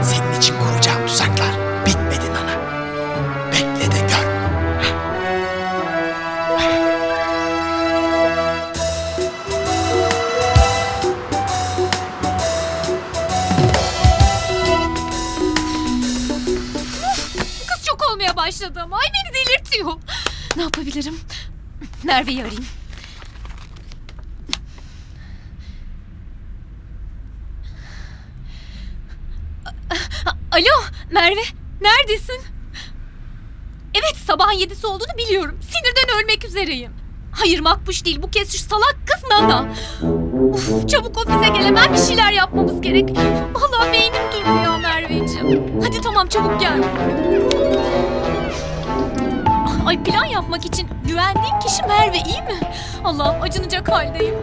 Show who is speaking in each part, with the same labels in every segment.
Speaker 1: Senin için kuracağım tuzaklar bitmedi Nana. Bekle de gör.
Speaker 2: Kız çok olmaya başladı ama. Ay beni delirtiyor. Ne yapabilirim? Merve'yi arayayım. Alo Merve, neredesin? Evet, sabahın 7'si olduğunu biliyorum. Sinirden ölmek üzereyim. Hayır Makbuş değil, bu kez şu salak kız Nana. Uf, çabuk ofise gel, hemen bir şeyler yapmamız gerek. Vallahi beynim durdu ya Merveciğim. Hadi tamam, çabuk gel. Ay, plan yapmak için güvendiğim kişi Merve, iyi mi? Allah'ım, acınacak haldeyim.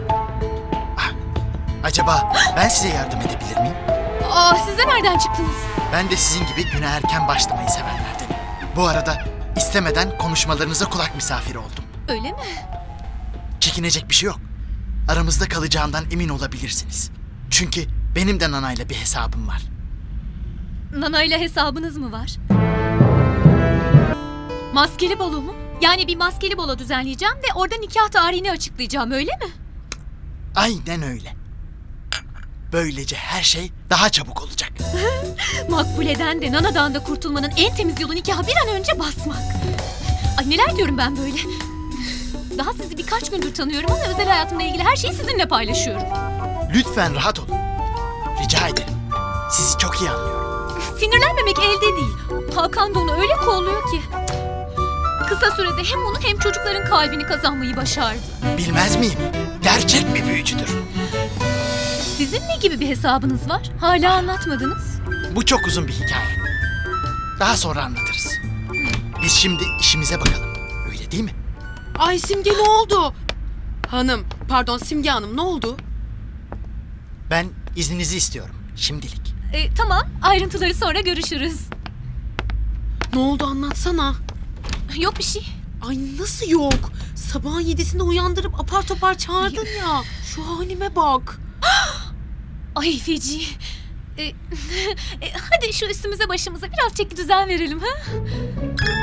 Speaker 1: Acaba ben size yardım edebilir miyim?
Speaker 2: Aa, siz de nereden çıktınız?
Speaker 1: Ben de sizin gibi güne erken başlamayı sevenlerdenim. Bu arada istemeden konuşmalarınıza kulak misafiri oldum.
Speaker 2: Öyle mi?
Speaker 1: Çekinecek bir şey yok. Aramızda kalacağından emin olabilirsiniz. Çünkü benim de Nana'yla bir hesabım var.
Speaker 2: Nana ile hesabınız mı var? Maskeli balo mu? Yani bir maskeli balo düzenleyeceğim ve orada nikah tarihini açıklayacağım, öyle mi?
Speaker 1: Aynen öyle. Böylece her şey daha çabuk olacak.
Speaker 2: Makbule'den de Nana'dan da kurtulmanın en temiz yolu nikaha bir an önce basmak. Ay, neler diyorum ben böyle. Daha sizi birkaç gündür tanıyorum ama özel hayatımla ilgili her şeyi sizinle paylaşıyorum.
Speaker 1: Lütfen rahat olun. Rica ederim. Sizi çok iyi anlıyorum.
Speaker 2: Sinirlenmemek elde değil. Hakan da onu öyle kolluyor ki. Kısa sürede hem onun hem çocukların kalbini kazanmayı başardı.
Speaker 1: Bilmez miyim? Gerçek bir büyücüdür.
Speaker 2: Sizin ne gibi bir hesabınız var? Hala anlatmadınız.
Speaker 1: Bu çok uzun bir hikaye. Daha sonra anlatırız. Biz şimdi işimize bakalım. Öyle değil mi?
Speaker 3: Ay Simge, ne oldu? Simge Hanım, ne oldu?
Speaker 1: Ben izninizi istiyorum şimdilik.
Speaker 2: Tamam, ayrıntıları sonra görüşürüz.
Speaker 3: Ne oldu, anlatsana.
Speaker 2: Yok bir şey.
Speaker 3: Ay nasıl yok? Sabahın 7'sinde uyandırıp apar topar çağırdın ya. Şu halime bak.
Speaker 2: Ay feci. Hadi şu üstümüze başımıza biraz çeki düzen verelim ha?